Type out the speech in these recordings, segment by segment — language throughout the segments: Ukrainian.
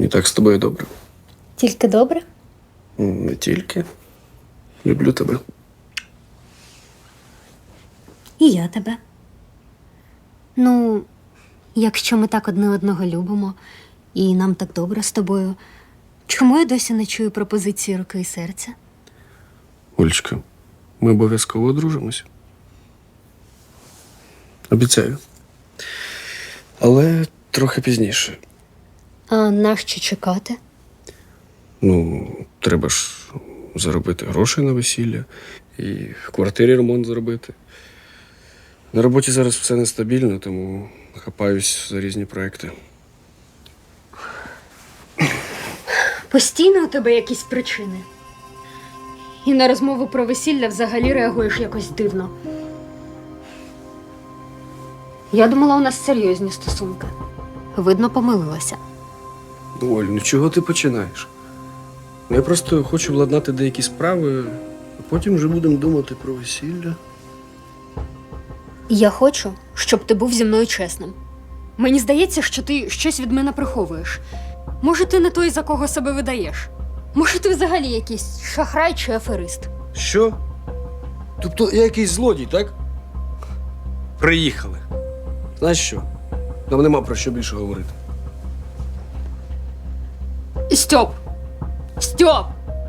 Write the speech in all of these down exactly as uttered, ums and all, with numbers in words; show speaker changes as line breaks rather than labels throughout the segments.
так з тобою добре.
Тільки добре?
Не тільки. Люблю тебе.
І я тебе. Ну, якщо ми так одне одного любимо, і нам так добре з тобою, чому я досі не чую пропозиції руки і серця?
Олечка, ми обов'язково одружимося. Обіцяю. Але трохи пізніше.
А нащо чекати?
Ну, треба ж заробити гроші на весілля і в квартирі ремонт зробити. На роботі зараз все нестабільно, тому хапаюсь за різні проекти.
Постійно у тебе якісь причини. І на розмову про весілля взагалі реагуєш якось дивно. Я думала, у нас серйозні стосунки. Видно, помилилася.
Ну, Оль, ну чого ти починаєш? Ну, я просто хочу владнати деякі справи, а потім вже будемо думати про весілля.
Я хочу, щоб ти був зі мною чесним. Мені здається, що ти щось від мене приховуєш. Може, ти не той, за кого себе видаєш? Може, ти взагалі якийсь шахрай чи аферист?
Що? Тобто я якийсь злодій, так? Приїхали. Знаєш що? Нам нема про що більше говорити.
Стьоп! Стьоп!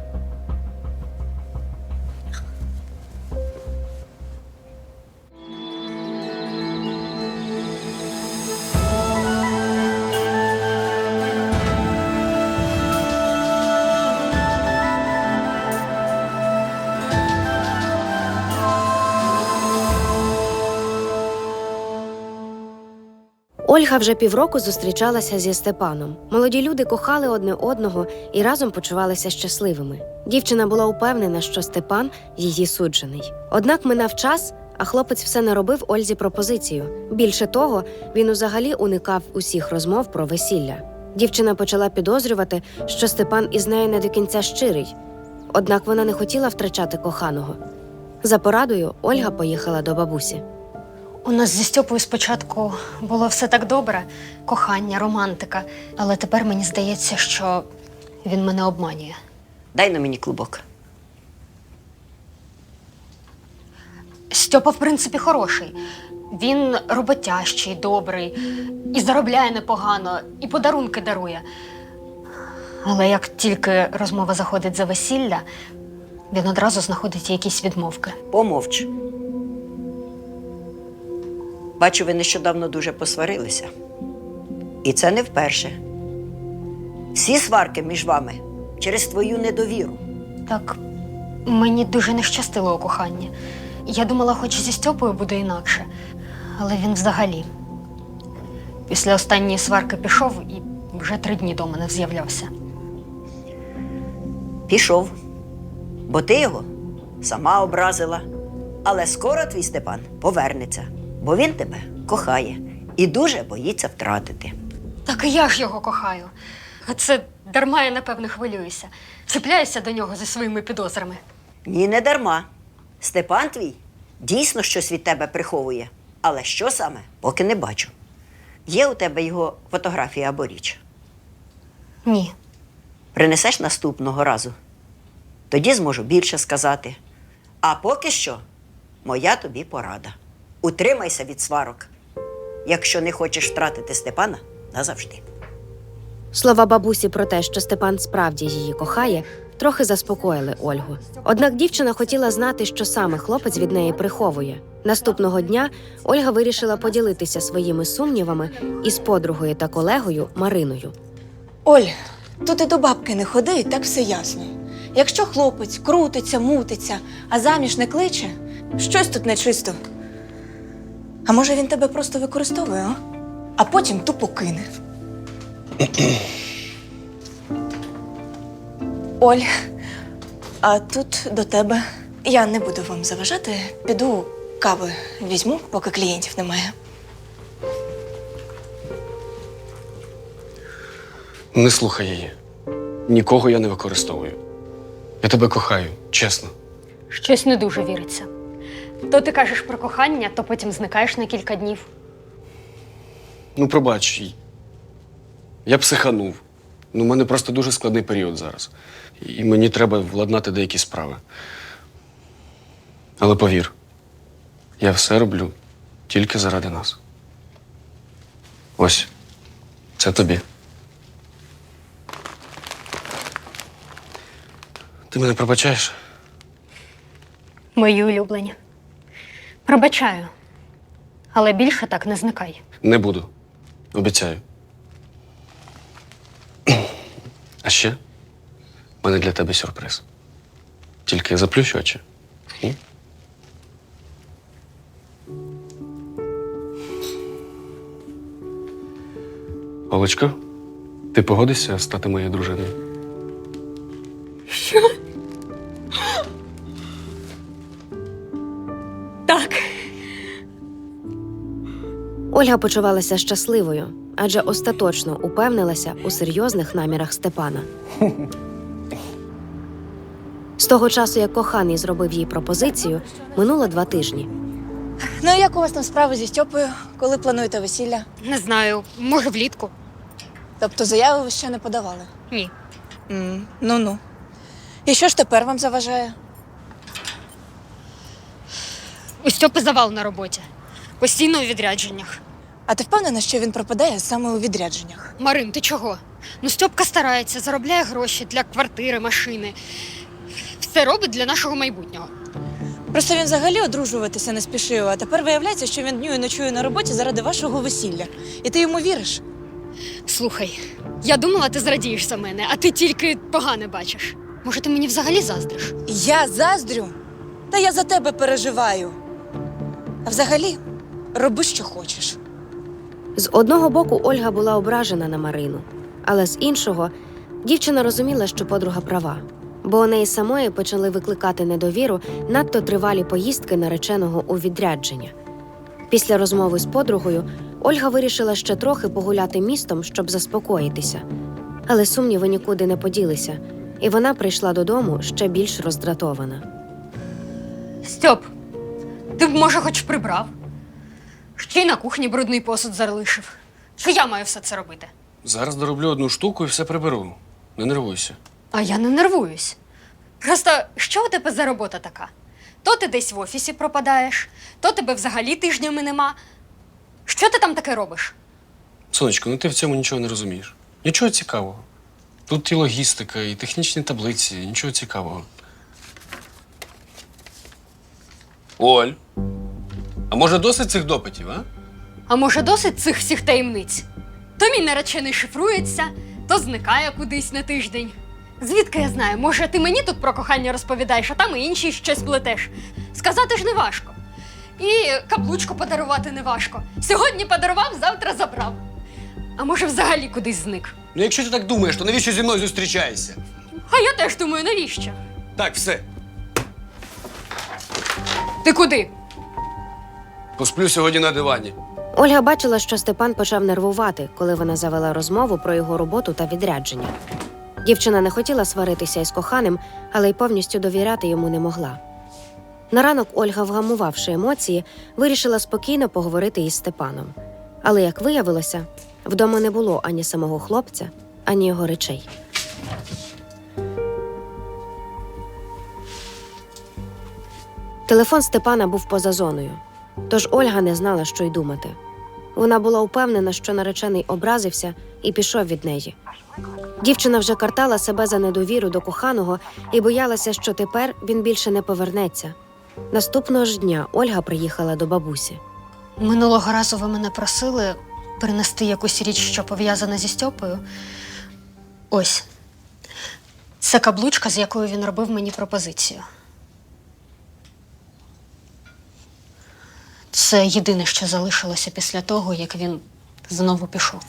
Ольга вже півроку зустрічалася зі Степаном. Молоді люди кохали одне одного і разом почувалися щасливими. Дівчина була упевнена, що Степан – її суджений. Однак минав час, а хлопець все не робив Ользі пропозицію. Більше того, він взагалі уникав усіх розмов про весілля. Дівчина почала підозрювати, що Степан із нею не до кінця щирий. Однак вона не хотіла втрачати коханого. За порадою Ольга поїхала до бабусі.
У нас зі Стьопою спочатку було все так добре. Кохання, романтика. Але тепер мені здається, що він мене обманює.
Дай на мені клубок.
Стьопа, в принципі, хороший. Він роботящий, добрий, і заробляє непогано, і подарунки дарує. Але як тільки розмова заходить за весілля, він одразу знаходить якісь відмовки.
Помовч. Бачу, ви нещодавно дуже посварилися. І це не вперше. Всі сварки між вами через твою недовіру.
Так, мені дуже не щастило у коханні. Я думала, хоч зі Стьопою буде інакше. Але він взагалі. Після останньої сварки пішов і вже три дні до мене з'являвся.
Пішов. Бо ти його сама образила. Але скоро твій Степан повернеться. Бо він тебе кохає і дуже боїться втратити.
Так і я ж його кохаю. А це дарма я, напевно, хвилююся. Цепляюся до нього зі своїми підозрами.
Ні, не дарма. Степан твій дійсно щось від тебе приховує. Але що саме, поки не бачу. Є у тебе його фотографія або річ?
Ні.
Принесеш наступного разу. Тоді зможу більше сказати. А поки що моя тобі порада. Утримайся від сварок, якщо не хочеш втратити Степана назавжди.
Слова бабусі про те, що Степан справді її кохає, трохи заспокоїли Ольгу. Однак дівчина хотіла знати, що саме хлопець від неї приховує. Наступного дня Ольга вирішила поділитися своїми сумнівами із подругою та колегою Мариною.
Оль, тут і до бабки не ходи, і так все ясно. Якщо хлопець крутиться, мутиться, а заміж не кличе, щось тут нечисто. А може він тебе просто використовує, а? А потім тупо кине. Оль, а тут до тебе. Я не буду вам заважати. Піду кави візьму, поки клієнтів немає.
Не слухай її. Нікого я не використовую. Я тебе кохаю, чесно.
Щось не дуже віриться. То ти кажеш про кохання, то потім зникаєш на кілька днів.
Ну, пробач, я психанув. Ну, у мене просто дуже складний період зараз. І мені треба владнати деякі справи. Але повір, я все роблю тільки заради нас. Ось, це тобі. Ти мене пробачаєш?
Мої улюблені. Пробачаю. Але більше так не зникай.
Не буду. Обіцяю. А ще в мене для тебе сюрприз. Тільки заплющ очі. М? Олечко, ти погодишся стати моєю дружиною?
Так.
Ольга почувалася щасливою, адже остаточно упевнилася у серйозних намірах Степана. З того часу, як коханий зробив їй пропозицію, минуло два тижні.
Ну, як у вас там справи зі Стьопою, коли плануєте весілля?
Не знаю, може влітку?
Тобто заяви ви ще не подавали?
Ні.
М, Ну-ну. І що ж тепер вам заважає?
У Стьопи завал на роботі. Постійно у відрядженнях.
А ти впевнена, що він пропадає саме у відрядженнях?
Марин, ти чого? Ну, Стьопка старається, заробляє гроші для квартири, машини. Все робить для нашого майбутнього.
Просто він взагалі одружуватися не спішив, а тепер виявляється, що він днює і ночує на роботі заради вашого весілля. І ти йому віриш?
Слухай, я думала, ти зрадієш за мене, а ти тільки погане бачиш. Може, ти мені взагалі заздриш?
Я заздрю? Та я за тебе переживаю. А взагалі, роби, що хочеш.
З одного боку Ольга була ображена на Марину, але з іншого дівчина розуміла, що подруга права, бо у неї самої почали викликати недовіру надто тривалі поїздки нареченого у відрядження. Після розмови з подругою Ольга вирішила ще трохи погуляти містом, щоб заспокоїтися. Але сумніви нікуди не поділися, і вона прийшла додому ще більш роздратована.
Стьоп, ти б, може, хоч прибрав? Ще й на кухні брудний посуд залишив. Що я маю все це робити?
Зараз дороблю одну штуку і все приберу. Не нервуйся.
А я не нервуюсь. Просто що у тебе за робота така? То ти десь в офісі пропадаєш, то тебе взагалі тижнями нема. Що ти там таке робиш?
Сонечко, ну ти в цьому нічого не розумієш. Нічого цікавого. Тут і логістика, і технічні таблиці, нічого цікавого. Оль, а може досить цих допитів, а?
А може, досить цих всіх таємниць? То мій наречений шифрується, то зникає кудись на тиждень. Звідки я знаю? Може, ти мені тут про кохання розповідаєш, а там і інші щось плетеш. Сказати ж не важко. І каблучку подарувати не важко. Сьогодні подарував, завтра забрав. А може, взагалі кудись зник.
Ну якщо ти так думаєш, то навіщо зі мною зустрічаєшся?
А я теж думаю, навіщо?
Так, все.
Ти куди?
Посплю сьогодні на дивані.
Ольга бачила, що Степан почав нервувати, коли вона завела розмову про його роботу та відрядження. Дівчина не хотіла сваритися із коханим, але й повністю довіряти йому не могла. На ранок Ольга, вгамувавши емоції, вирішила спокійно поговорити із Степаном. Але, як виявилося, вдома не було ані самого хлопця, ані його речей. Телефон Степана був поза зоною, тож Ольга не знала, що й думати. Вона була впевнена, що наречений образився і пішов від неї. Дівчина вже картала себе за недовіру до коханого і боялася, що тепер він більше не повернеться. Наступного ж дня Ольга приїхала до бабусі.
Минулого разу ви мене просили принести якусь річ, що пов'язана зі Стьопою. Ось. Це каблучка, з якою він робив мені пропозицію. Це єдине, що залишилося після того, як він знову пішов.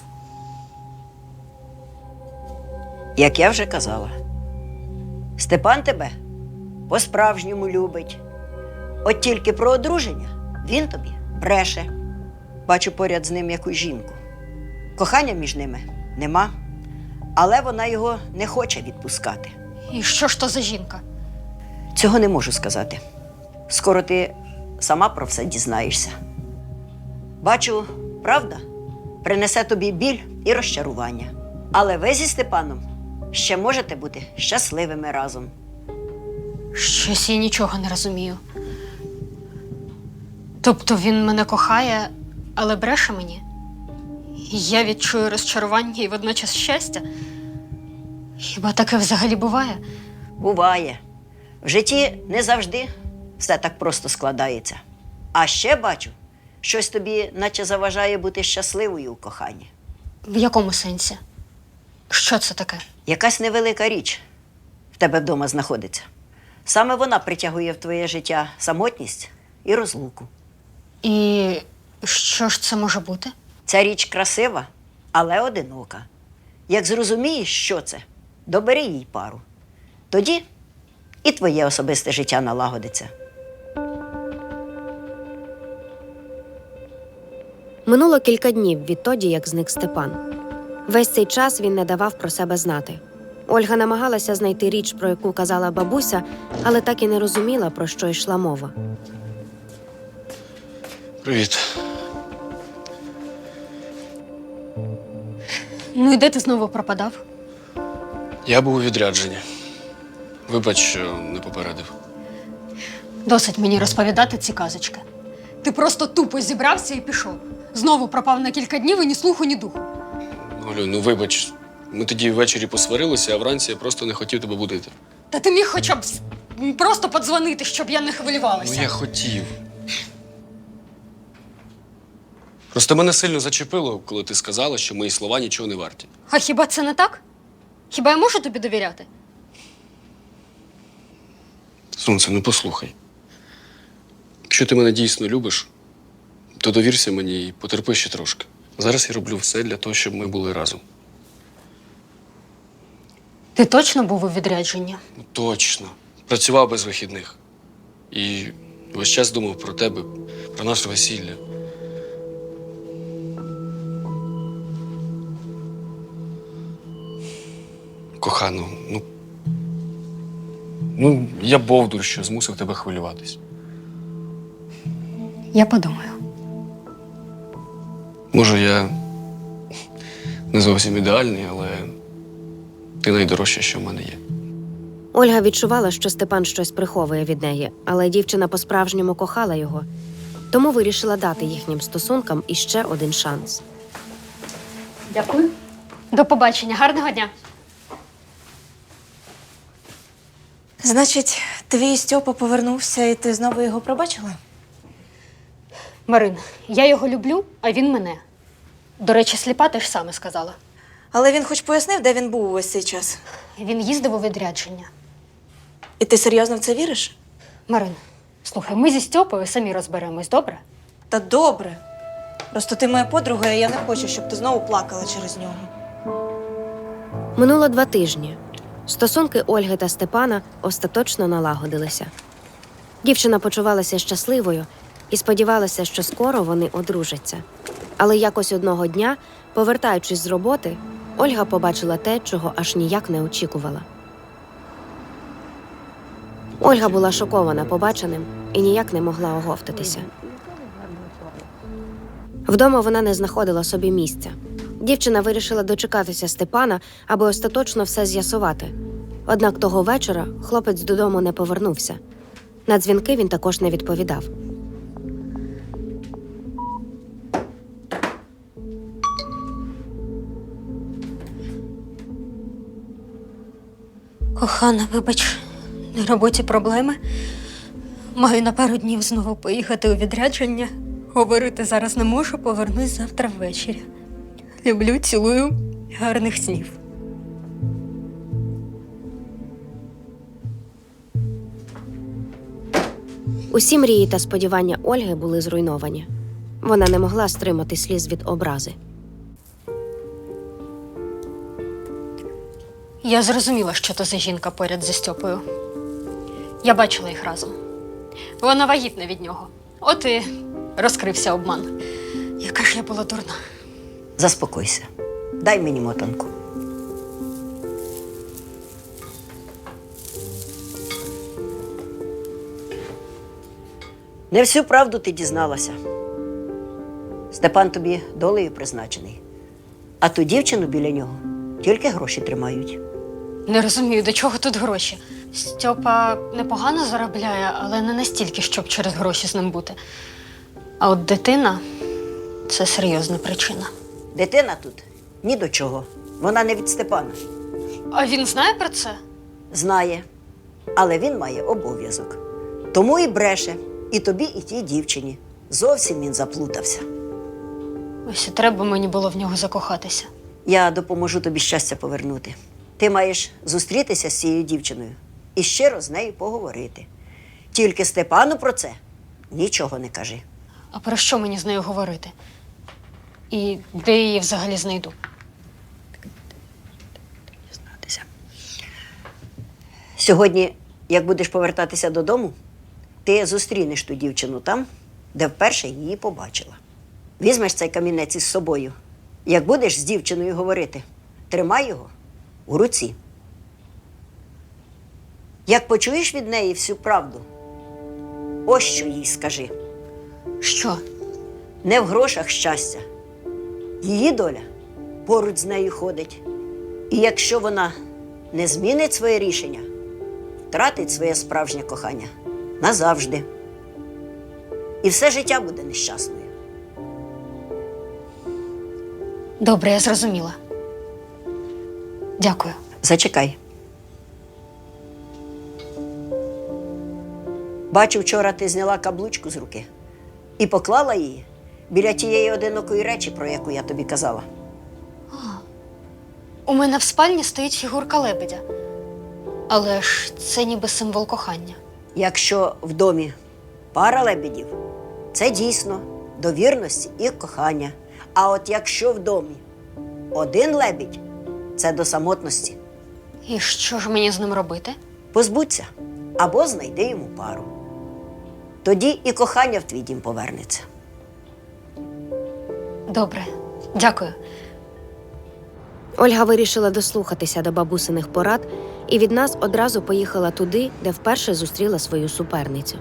Як я вже казала, Степан тебе по-справжньому любить. От тільки про одруження він тобі бреше. Бачу поряд з ним якусь жінку. Кохання між ними нема, але вона його не хоче відпускати.
І що ж то за жінка?
Цього не можу сказати. Скоро ти сама про все дізнаєшся. Бачу, правда принесе тобі біль і розчарування. Але ви зі Степаном ще можете бути щасливими разом.
Щось я нічого не розумію. Тобто він мене кохає, але бреше мені? Я відчую розчарування і водночас щастя? Хіба таке взагалі буває?
Буває. В житті не завжди все так просто складається. А ще бачу, щось тобі наче заважає бути щасливою у коханні.
В якому сенсі? Що це таке?
Якась невелика річ в тебе вдома знаходиться. Саме вона притягує в твоє життя самотність і розлуку.
І що ж це може бути?
Ця річ красива, але одинока. Як зрозумієш, що це, добери їй пару. Тоді і твоє особисте життя налагодиться.
Минуло кілька днів відтоді, як зник Степан. Весь цей час він не давав про себе знати. Ольга намагалася знайти річ, про яку казала бабуся, але так і не розуміла, про що йшла мова.
Привіт.
Ну і де ти знову пропадав?
Я був у відрядженні. Вибач, що не попередив.
Досить мені розповідати ці казочки. Ти просто тупо зібрався і пішов. Знову пропав на кілька днів і ні слуху, ні духу.
Олю, ну вибач. Ми тоді ввечері посварилися, а вранці я просто не хотів тебе будити.
Та ти міг хоча б с- просто подзвонити, щоб я не хвилювалася.
Ну я хотів. Просто мене сильно зачепило, коли ти сказала, що мої слова нічого не варті.
А хіба це не так? Хіба я можу тобі довіряти?
Сонце, ну послухай. Якщо ти мене дійсно любиш, то довірся мені і потерпи ще трошки. Зараз я роблю все для того, щоб ми були разом.
Ти точно був у відрядженні?
Ну, точно. Працював без вихідних. І весь час думав про тебе, про наше весілля. Кохано, ну. Ну, я бовдур, що змусив тебе хвилюватись.
Я подумаю.
Може, я не зовсім ідеальний, але ти найдорожче, що в мене є.
Ольга відчувала, що Степан щось приховує від неї, але дівчина по-справжньому кохала його. Тому вирішила дати їхнім стосункам іще один шанс.
Дякую. До побачення. Гарного дня.
Значить, твій Стьопа повернувся, і ти знову його пробачила?
Марин, я його люблю, а він мене. До речі, сліпа теж саме сказала.
Але він хоч пояснив, де він був увесь цей час.
Він їздив у відрядження.
І ти серйозно в це віриш?
Марин, слухай, ми зі Стьопою самі розберемось, добре?
Та добре. Просто ти моя подруга, і я не хочу, щоб ти знову плакала через нього.
Минуло два тижні. Стосунки Ольги та Степана остаточно налагодилися. Дівчина почувалася щасливою і сподівалася, що скоро вони одружаться. Але якось одного дня, повертаючись з роботи, Ольга побачила те, чого аж ніяк не очікувала. Ольга була шокована побаченим і ніяк не могла оговтатися. Вдома вона не знаходила собі місця. Дівчина вирішила дочекатися Степана, аби остаточно все з'ясувати. Однак того вечора хлопець додому не повернувся. На дзвінки він також не відповідав.
Кохана, вибач, на роботі проблеми. Маю на пару днів знову поїхати у відрядження. Говорити зараз не можу, повернусь завтра ввечері. Люблю, цілую, гарних снів.
Усі мрії та сподівання Ольги були зруйновані. Вона не могла стримати сліз від образи.
Я зрозуміла, що то за жінка поряд зі Стьопою. Я бачила їх разом. Вона вагітна від нього. От і розкрився обман. Яка ж я була дурна.
Заспокойся. Дай мені мотанку. Не всю правду ти дізналася. Степан тобі долею призначений. А ту дівчину біля нього тільки гроші тримають.
Не розумію, до чого тут гроші. Стьопа непогано заробляє, але не настільки, щоб через гроші з ним бути. А от дитина це серйозна причина.
Дитина тут ні до чого. Вона не від Степана.
А він знає про це?
Знає, але він має обов'язок. Тому і бреше і тобі, і тій дівчині. Зовсім він заплутався.
Ось і треба мені було в нього закохатися.
Я допоможу тобі щастя повернути. Ти маєш зустрітися з цією дівчиною і щиро з нею поговорити. Тільки Степану про це нічого не кажи.
А про що мені з нею говорити? І де я її взагалі знайду?
Сьогодні, як будеш повертатися додому, ти зустрінеш ту дівчину там, де вперше її побачила. Візьмеш цей камінець із собою. Як будеш з дівчиною говорити, тримай його у руці. Як почуєш від неї всю правду, ось що їй скажи.
Що?
Не в грошах щастя. Її доля поруч з нею ходить. І якщо вона не змінить своє рішення, втратить своє справжнє кохання назавжди. І все життя буде нещасною.
Добре, я зрозуміла. Дякую.
Зачекай. Бачу, вчора ти зняла каблучку з руки і поклала її біля тієї одинокої речі, про яку я тобі казала.
У мене в спальні стоїть фігурка лебедя. Але ж це ніби символ кохання.
Якщо в домі пара лебедів, це дійсно до вірності і кохання. А от якщо в домі один лебідь, це до самотності.
І що ж мені з ним робити?
Позбудься або знайди йому пару. Тоді і кохання в твій дім повернеться.
Добре, дякую.
Ольга вирішила дослухатися до бабусиних порад і від нас одразу поїхала туди, де вперше зустріла свою суперницю.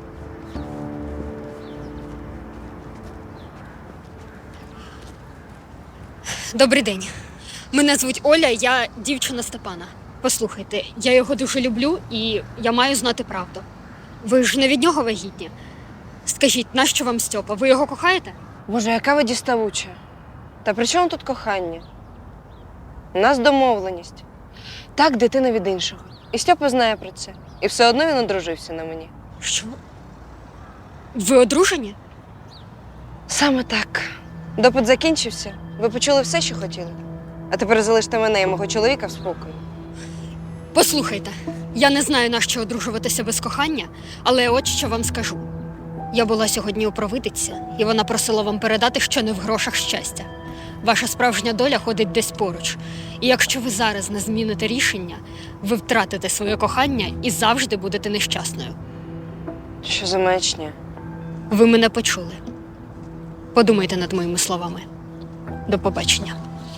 Добрий день. Мене звуть Оля, я дівчина Степана. Послухайте, я його дуже люблю і я маю знати правду. Ви ж не від нього вагітні. Скажіть, нащо вам Стьопа? Ви його кохаєте?
Боже, яка ви діставуча. Та при чому тут кохання? У нас домовленість. Так, дитина від іншого. І Стьопа знає про це. І все одно він одружився на мені.
Що? Ви одружені?
Саме так. Допит закінчився. Ви почули все, що хотіли. А тепер залиште мене і мого чоловіка в спокої.
Послухайте, я не знаю, на що одружуватися без кохання, але от що вам скажу. Я була сьогодні у провидиці, і вона просила вам передати, що не в грошах щастя. Ваша справжня доля ходить десь поруч. І якщо ви зараз не зміните рішення, ви втратите своє кохання і завжди будете нещасною.
Що за маячня?
Ви мене почули. Подумайте над моїми словами. До побачення.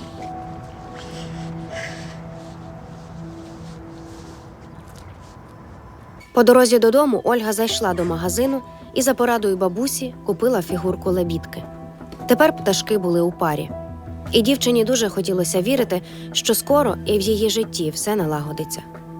По дорозі додому Ольга зайшла до магазину і за порадою бабусі купила фігурку лебідки. Тепер пташки були у парі. І дівчині дуже хотілося вірити, що скоро і в її житті все налагодиться.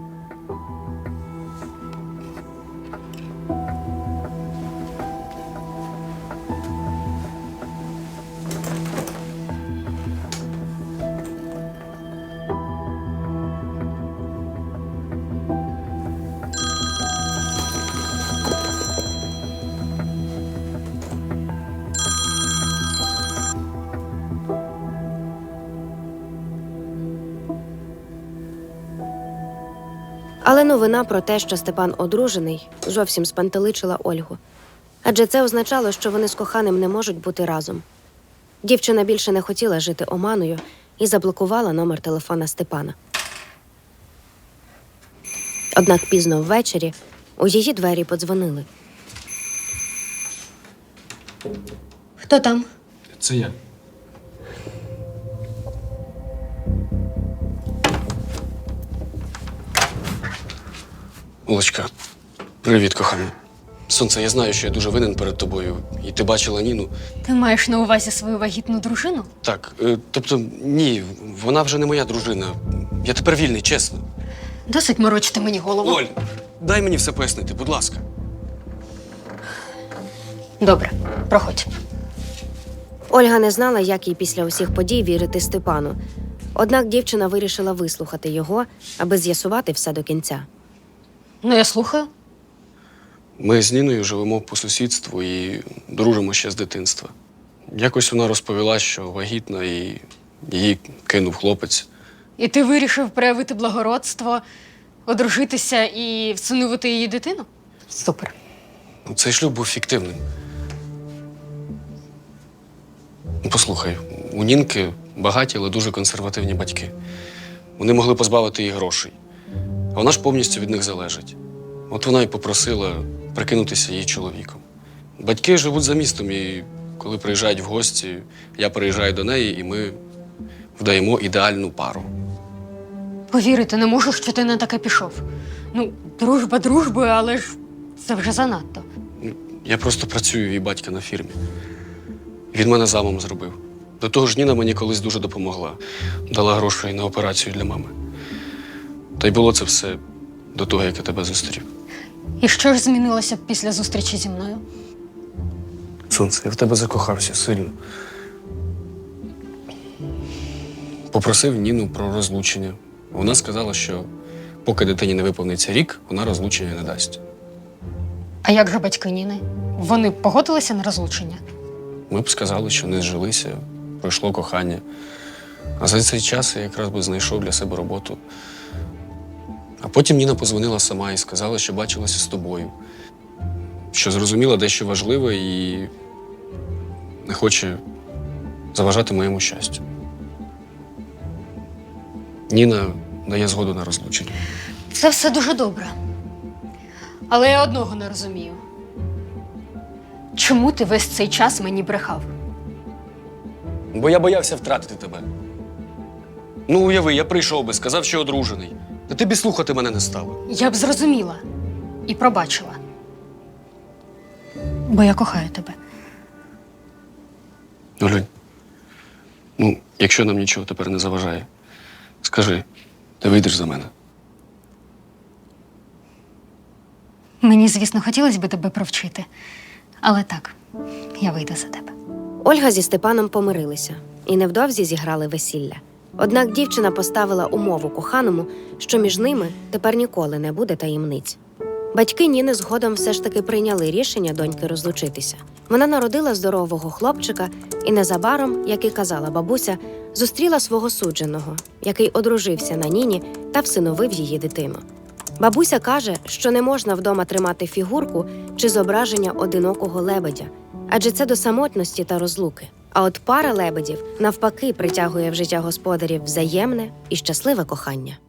Але новина про те, що Степан одружений, зовсім спантеличила Ольгу. Адже це означало, що вони з коханим не можуть бути разом. Дівчина більше не хотіла жити оманою і заблокувала номер телефона Степана. Однак пізно ввечері у її двері подзвонили.
Хто там?
Це я. Олечка, привіт, кохана. Сонце, я знаю, що я дуже винен перед тобою. І ти бачила Ніну.
Ти маєш на увазі свою вагітну дружину?
Так, е, тобто, ні, вона вже не моя дружина. Я тепер вільний, чесно.
Досить морочити мені голову.
Оль, дай мені все пояснити, будь ласка.
Добре, проходь.
Ольга не знала, як їй після усіх подій вірити Степану. Однак дівчина вирішила вислухати його, аби з'ясувати все до кінця.
Ну, я слухаю.
Ми з Ніною живемо по сусідству і дружимо ще з дитинства. Якось вона розповіла, що вагітна і її кинув хлопець.
І ти вирішив проявити благородство, одружитися і всиновити її дитину? Супер.
Ну, цей шлюб був фіктивним. Ну, послухай, у Нінки багаті, але дуже консервативні батьки. Вони могли позбавити її грошей. А вона ж повністю від них залежить. От вона й попросила прикинутися її чоловіком. Батьки живуть за містом, і коли приїжджають в гості, я приїжджаю до неї, і ми вдаємо ідеальну пару.
Повірити не можу, що ти на таке пішов. Ну, дружба дружбою, але ж це вже занадто.
Я просто працюю в її батька на фірмі. Він мене замом зробив. До того ж, Ніна мені колись дуже допомогла. Дала грошей на операцію для мами. Та й було це все до того, як я тебе зустрів.
І що ж змінилося після зустрічі зі мною?
Сонце, я в тебе закохався сильно. Попросив Ніну про розлучення. Вона сказала, що поки дитині не виповниться рік, вона розлучення не дасть.
А як же батьки Ніни? Вони погодилися на розлучення?
Ми б сказали, що не зжилися, пройшло кохання. А за цей час я якраз би знайшов для себе роботу. А потім Ніна позвонила сама і сказала, що бачилася з тобою, що зрозуміла дещо важливе і не хоче заважати моєму щастю. Ніна дає згоду на розлучення.
Це все дуже добре. Але я одного не розумію. Чому ти весь цей час мені брехав?
Бо я боявся втратити тебе. Ну, уяви, я прийшов би, сказав, що одружений. Та ти б і слухати мене не стала.
Я б зрозуміла і пробачила. Бо я кохаю тебе.
Олень, ну, якщо нам нічого тепер не заважає, скажи, ти вийдеш за мене?
Мені, звісно, хотілося б тебе провчити. Але так, я вийду за тебе.
Ольга зі Степаном помирилися і невдовзі зіграли весілля. Однак дівчина поставила умову коханому, що між ними тепер ніколи не буде таємниць. Батьки Ніни згодом все ж таки прийняли рішення доньки розлучитися. Вона народила здорового хлопчика і незабаром, як і казала бабуся, зустріла свого судженого, який одружився на Ніні та всиновив її дитину. Бабуся каже, що не можна вдома тримати фігурку чи зображення одинокого лебедя, адже це до самотності та розлуки. А от пара лебедів навпаки притягує в життя господарів взаємне і щасливе кохання.